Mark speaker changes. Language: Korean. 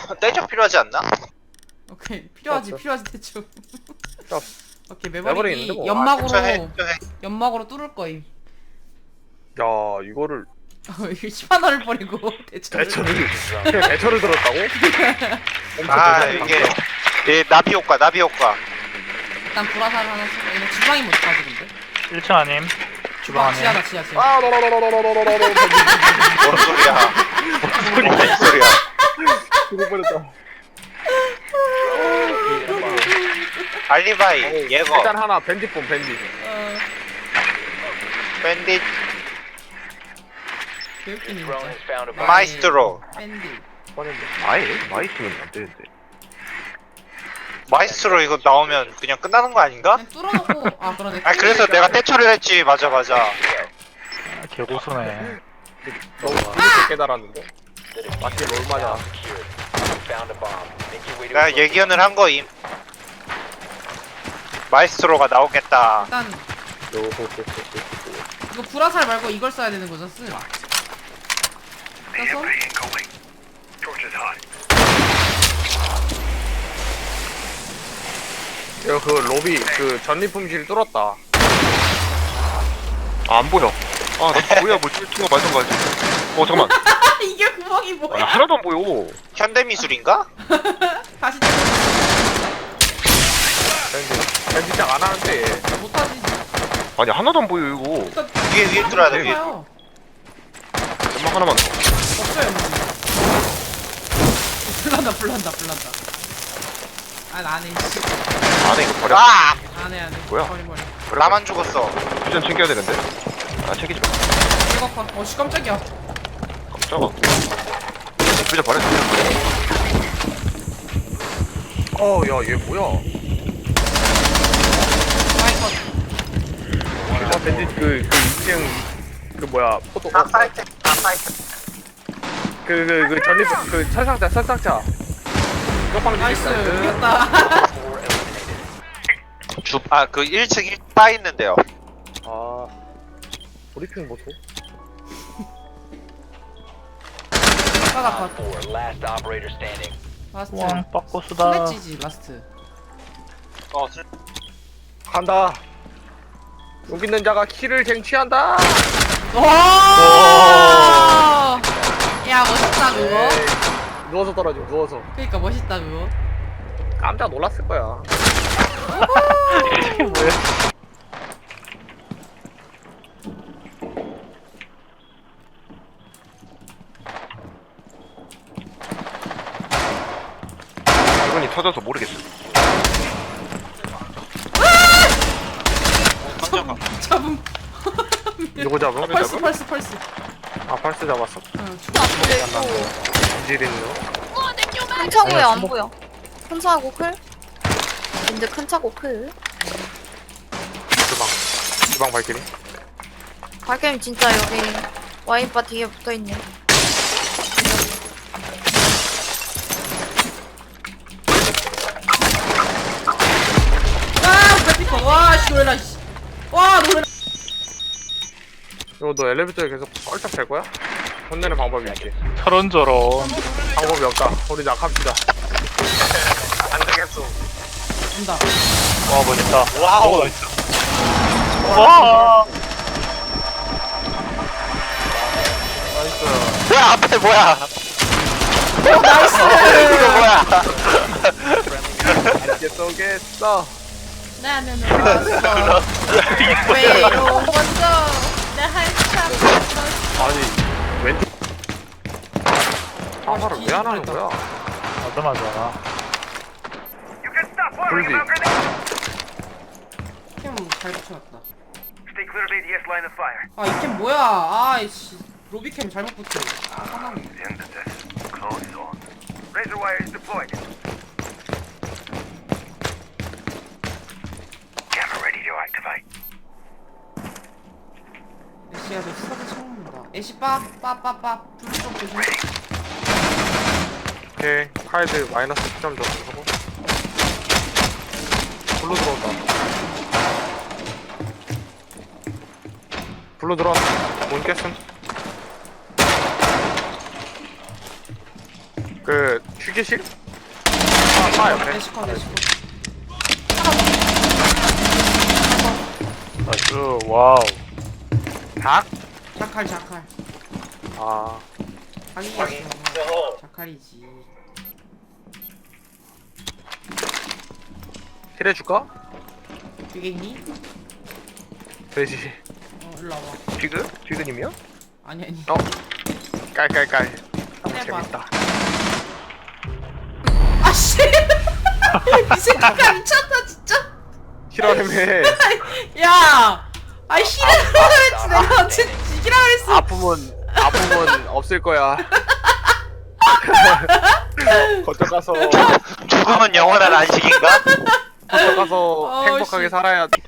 Speaker 1: 떼적 필요하지 않나?
Speaker 2: 오케이 필요하지
Speaker 3: 없어.
Speaker 2: 필요하지 대충.
Speaker 3: 없어.
Speaker 2: 오케이
Speaker 3: 매버릭
Speaker 2: 매버릭이
Speaker 3: 있는데 뭐.
Speaker 2: 연막으로
Speaker 1: 해.
Speaker 2: 연막으로 뚫을 거임.
Speaker 3: 야 이거를
Speaker 2: 이거 10만 원을 버리고 대충.
Speaker 3: 대처를 그냥 대처를 들었다고?
Speaker 1: 아 이게 나비 효과 나비 효과.
Speaker 2: 일단 불화살 하나 쓰고 얘네 주방이 못 가지 근데.
Speaker 4: 1층 아님. 주방 아님.
Speaker 2: 지하다 지하.
Speaker 3: 아 너너너너너너너너너너
Speaker 1: 뭔 소리야? 뭔 소리야?
Speaker 3: 죽을 뻔했다.
Speaker 1: 알리바이 예거
Speaker 3: 일단 하나 밴딧 본 밴딧.
Speaker 1: 밴딧
Speaker 2: 개웃기네 진짜.
Speaker 1: 마이스트로
Speaker 2: 밴디.
Speaker 3: 뻔했네.
Speaker 5: 아예 마이스는 안 되는데.
Speaker 1: 마이스트로 이거 나오면 그냥 끝나는 거 아닌가?
Speaker 2: 그냥 뚫어놓고 아 그러네.
Speaker 1: 아 그래서 내가 떼처리를 했지. 맞아
Speaker 4: 아, 개고수네.
Speaker 3: 너무 늦게 깨달았는데. 맞게 뭘 맞아.
Speaker 1: 내가 예견을 한 거임. 마이스트로가 나오겠다.
Speaker 2: 일단 이거 불화살 말고 이걸 써야 되는 거죠 쓰. 써서
Speaker 3: 야, 그 로비 그 전리품실 뚫었다.
Speaker 5: 아, 안 보여. 아, 나 뭐야, 뭐 뚫tun거 말던가 하지. 잠깐만.
Speaker 2: 이게 구멍이
Speaker 5: 아,
Speaker 2: 뭐야?
Speaker 5: 하나도 안 보여.
Speaker 1: 현대미술인가?
Speaker 2: 다시
Speaker 3: 밴딧장 안 하는데.
Speaker 2: 못하지.
Speaker 5: 아니, 하나도 안 보여, 이거.
Speaker 2: 일단
Speaker 1: 위에 뚫어야 돼. 위에.
Speaker 2: 해봐요.
Speaker 5: 연막 하나만 더.
Speaker 2: 없어요 뭐. 불난다. 아 나네 씨.
Speaker 5: 안에 이거 버려.
Speaker 1: 아!
Speaker 2: 안해.
Speaker 5: 뭐야?
Speaker 2: 버리.
Speaker 1: 나만 죽었어.
Speaker 5: 퓨전 챙겨야 되는데. 아, 챙기지 마.
Speaker 2: 이거 봐. 어씨 깜짝이야.
Speaker 5: 깜짝아. 퓨전 버려.
Speaker 3: 야, 얘 뭐야?
Speaker 2: 아이고.
Speaker 3: 아, 밴딧 그 2층 그 뭐야 포토
Speaker 1: 사이트.
Speaker 3: 그 전리품 그 설상자. 쪽방
Speaker 2: 나이스.
Speaker 3: 뒤집다.
Speaker 2: 이겼다.
Speaker 1: 아 그 1층 1바 있는데요.
Speaker 3: 아 브리핑 보소.
Speaker 2: 바닥 봐. 라스트.
Speaker 4: 왕 빠꼬수다.
Speaker 2: 슬래지지 라스트.
Speaker 3: 간다. 여기 있는 자가 키를 쟁취한다.
Speaker 2: 와. 야 멋있다 그거.
Speaker 3: 에이, 누워서 떨어져. 누워서.
Speaker 2: 그러니까 멋있다 그거.
Speaker 3: 깜짝 놀랐을 거야.
Speaker 4: 이게 뭐야?
Speaker 5: 이건이 터져서 모르겠어.
Speaker 2: 잡음.
Speaker 3: 누구 잡음?
Speaker 2: 펄스.
Speaker 3: 아 펄스 잡았어.
Speaker 2: 응. 죽어.
Speaker 3: 인질이네요.
Speaker 6: 큰 차고에 안 보여. 큰 차고 클? 근데 큰 차고 클?
Speaker 3: 주방 발길이.
Speaker 6: 발겜 진짜 여기 와인바 뒤에 붙어있네.
Speaker 2: 아 배피커. 와씨 놀라 씨. 와 놀라.
Speaker 3: 이거 너 엘리베이터에 계속 펄쩍 될 거야? 혼내는 방법이 있지.
Speaker 4: 저런저런.
Speaker 3: 방법이 없다. 우리 낙합시다.
Speaker 1: 안 되겠어.
Speaker 2: 온다.
Speaker 4: 와, 멋있다.
Speaker 1: 와우.
Speaker 4: 와!
Speaker 3: 나이스.
Speaker 1: 뭐야 앞에 뭐야?
Speaker 2: 나이스.
Speaker 1: 이거 뭐야?
Speaker 3: 이게 쏘겠어.
Speaker 2: 나는 왔어. 외로운 먼저. 내 한참 왔어.
Speaker 3: 아니 왼쪽. 사과를 왜 안 하는 거야?
Speaker 4: 맞아.
Speaker 3: 불비.
Speaker 2: 캠잘 붙여놨다. 아 이 캠 뭐야? 아이씨 로비캠 잘못 붙여. 아 화나네. 애쉬야 너 수갑을 쳐먹는다. 애쉬 빠빠빠빠 불 좀 조심.
Speaker 3: 오케이. 카이드 마이너스 10점 줬고. 블루 들어온다. 블루 들어왔다. 문 깼음. 그 휴게실? 아 옆에.
Speaker 2: 애쉬컷 애쉬컷.
Speaker 4: 나이스. 와우.
Speaker 3: 닭?
Speaker 2: 자칼 자칼.
Speaker 3: 아
Speaker 2: 닭이겠어. 자칼이지.
Speaker 3: 힐 해줄까?
Speaker 2: 되겠니?
Speaker 3: 돼지.
Speaker 2: 일로 와봐.
Speaker 3: 쥐그? 쥐그님이요?
Speaker 2: 아니 아니.
Speaker 3: 어. 깔깔깔. 너무
Speaker 2: 해봐.
Speaker 3: 재밌다.
Speaker 2: 아씨. 이 새끼가 미쳤다 진짜.
Speaker 3: 실화림에
Speaker 2: 야. 아이 히레라고 했지 내가 어째 지기라 그랬어.
Speaker 3: 아픔은 없을 거야. 거쳐 가서
Speaker 1: 죽음은 영원한 안식인가?
Speaker 3: 거쳐 가서
Speaker 2: 어,
Speaker 3: 행복하게
Speaker 2: 씨.
Speaker 3: 살아야